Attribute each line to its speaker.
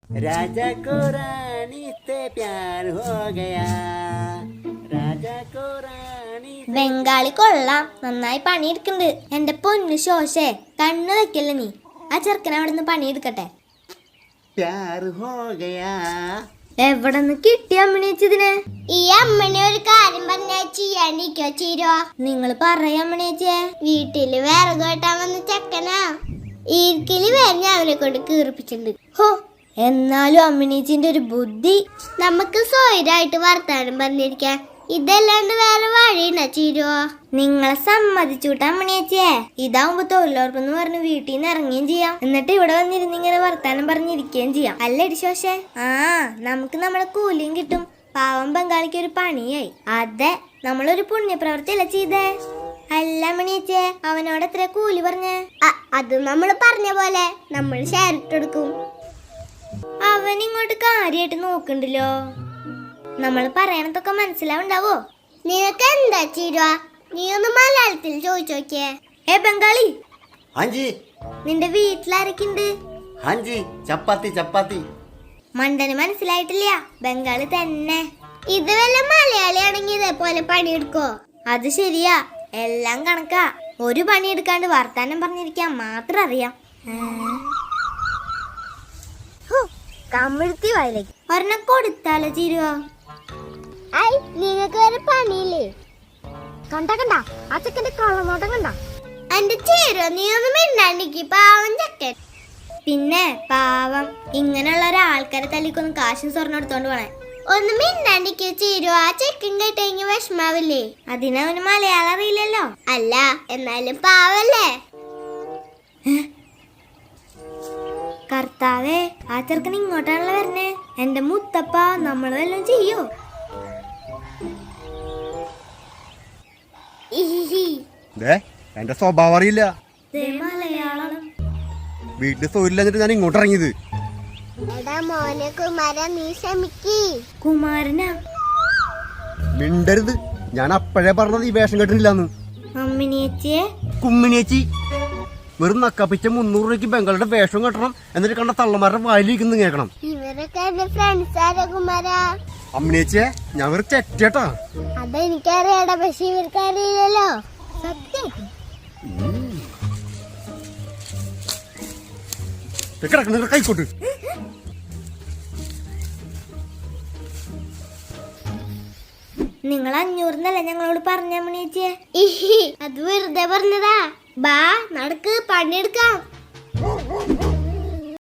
Speaker 1: राजा को रानी से प्यार हो गया राजा को रानी
Speaker 2: ബംഗാളി കൊള്ളാം, നന്നായി പണിയെടുക്കുന്നുണ്ട്. എന്റെ പൊന്നു ശോശേ, കണ്ണു വെക്കല്ലേ നീ. ആ ചെറുക്കൻ അവിടെ നിന്ന് പണിയെടുക്കട്ടെ.
Speaker 1: प्यार हो गया.
Speaker 2: എവിടെ നിന്ന് കിട്ടിയ അമ്മണിയച്ചതിനെ?
Speaker 3: ഈ അമ്മനെ ഒരു കാര്യം പറഞ്ഞാൽ ചെയ്യാണ്ടിരിക്കോ ചീരോ?
Speaker 2: നിങ്ങൾ പറയാ അമ്മണിയച്ചേ.
Speaker 3: വീട്ടില് വിറക് വെട്ടാൻ വന്ന ചെക്കനാ. ഈർക്കില് വേറെ അവനെ കൊണ്ട് കീറിപ്പിച്ചിട്ടുണ്ട്.
Speaker 2: ഹോ, എന്നാലും അമ്മണിയച്ചിന്റെ ഒരു ബുദ്ധി.
Speaker 3: നമുക്ക് സ്വൈരായിട്ട് വർത്താനം പറഞ്ഞിരിക്കാൻ ഇതല്ലാണ്ട് വേറെ വഴിയുണ്ടോ ചീരോ?
Speaker 2: നിങ്ങളെ സമ്മതിച്ചുട്ടാ അമ്മണിയച്ചേ. ഇതാവുമ്പോ തൊഴിലുറപ്പെന്ന് പറഞ്ഞ് വീട്ടിൽ നിന്ന് ഇറങ്ങുകയും ചെയ്യാം, എന്നിട്ട് ഇവിടെ വന്നിരുന്ന് ഇങ്ങനെ വർത്താനം പറഞ്ഞിരിക്കുകയും ചെയ്യാം. അല്ലടി ശോശേ? ആ, നമുക്ക് നമ്മളെ കൂലിയും കിട്ടും. പാവം ബംഗാളിക്ക് ഒരു പണിയായി. അതെ, നമ്മളൊരു പുണ്യപ്രവൃത്തിയല്ല ചെയ്തേ. അല്ല അമ്മണിയച്ചേ, അവനോട് എത്ര കൂലി പറഞ്ഞേ?
Speaker 3: അത് നമ്മൾ പറഞ്ഞ പോലെ നമ്മൾ ഷെയർ ഇട്ടെടുക്കും.
Speaker 2: അവൻ ഇങ്ങോട്ട് കാര്യമായിട്ട് നോക്കണ്ടല്ലോ. നമ്മൾ പറയണതൊക്കെ മനസ്സിലാവുണ്ടാവോ?
Speaker 3: നിനക്ക് എന്താ ചീരോ? നീ ഒന്ന് മലയാളത്തിൽ ചോദിച്ചു നോക്കിയേ.
Speaker 2: ഏ ബംഗാളി,
Speaker 1: हाँ जी
Speaker 2: നിന്റെ വീട്ടിലാരൊക്കെ ഉണ്ട്?
Speaker 1: हाँ जी ചപ്പാത്തി ചപ്പാത്തി.
Speaker 2: മണ്ടന് മനസ്സിലായിട്ടില്ല, ബംഗാളി തന്നെ.
Speaker 3: ഇത് വല്ല മലയാളിയാണെങ്കിൽ ഇതേപോലെ പണിയെടുക്കോ?
Speaker 2: അത് ശരിയാ, എല്ലാം കണക്കാ. ഒരു പണിയെടുക്കാണ്ട് വർത്താനം പറഞ്ഞിരിക്കാൻ മാത്രം അറിയാം. കമിഴ്ത്തി വയലേക്ക് ഒരെണ്ണം കൊടുത്താലോ ചീരുവോ?
Speaker 3: നിനക്ക് വരെ പണിയില്ലേ?
Speaker 2: കണ്ട ആ ചെക്കന്റെ കള്ളനോട്ടം കണ്ട.
Speaker 3: എന്റെ ചീരോ, നീ ഒന്നും മിണ്ടാണ്ടിക്ക്, പാവം ചെക്കൻ.
Speaker 2: പിന്നെ പാവം, ഇങ്ങനെയുള്ള ഒരാൾക്കാരെ തല്ലിക്കൊന്നും കാശും സ്വർണ്ണം എടുത്തോണ്ട് പോണേ.
Speaker 3: ഒന്നും മിണ്ടാണ്ടിക്ക് ചീരോ, ആ ചെക്കൻ കേട്ടെങ്കിൽ വിഷമാവില്ലേ?
Speaker 2: അതിനവന് മലയാളം അറിയില്ലല്ലോ.
Speaker 3: അല്ല, എന്നാലും പാവല്ലേ?
Speaker 2: കർത്താവേ, ആ ചെറുക്കൻ ഇങ്ങോട്ടാണല്ലോ വരണേ. എന്റെ മുത്തപ്പ, നമ്മൾ വല്ലതും ചെയ്യോ?
Speaker 4: എന്റെ സ്വഭാവം അറിയില്ല.
Speaker 2: മലയാളം
Speaker 4: വീട്ടിൽ തൊഴിലില്ലാഞ്ഞിട്ട് ഞാൻ ഇങ്ങോട്ട് ഇറങ്ങിയത്.
Speaker 3: എടാ മോനെ കുമാര, നീ ക്ഷമിക്ക്.
Speaker 2: കുമാരനാ?
Speaker 4: മിണ്ടരുത്, ഞാൻ അപ്പോഴേ പറഞ്ഞത് ഈ വേഷം കെട്ടില്ലാന്ന്.
Speaker 2: അമ്മിനിയച്ചിയെ
Speaker 4: കുമ്മിണിയേച്ചി, വെറും നക്കാപ്പിച്ച 300 രൂപയ്ക്ക് ബംഗാളിയുടെ വേഷം കെട്ടണം, എന്നിട്ട് കണ്ട തള്ളമാരുടെ വായിലിരിക്കുന്നു കേൾക്കണം.
Speaker 3: ഇവരൊക്കെ എന്റെ ഫ്രണ്ട്സ് ആരാ കുമാര?
Speaker 4: അമ്മിണിയേച്ചിയെ, ഞാൻ വെറും ചെറ്റേട്ടാ.
Speaker 3: അതെനിക്കറിയാടാ, പക്ഷെ ഇവർക്ക് അറിയില്ലല്ലോ. സത്യം.
Speaker 4: കിടക്കുന്ന കൈക്കോട്ട്.
Speaker 2: നിങ്ങൾ 500 ഞങ്ങളോട് പറഞ്ഞ അമ്മിനിയച്ചിയെ?
Speaker 3: അത് വെറുതെ പറഞ്ഞതാ. ബാ നടക്ക്, പണിയെടുക്കാം.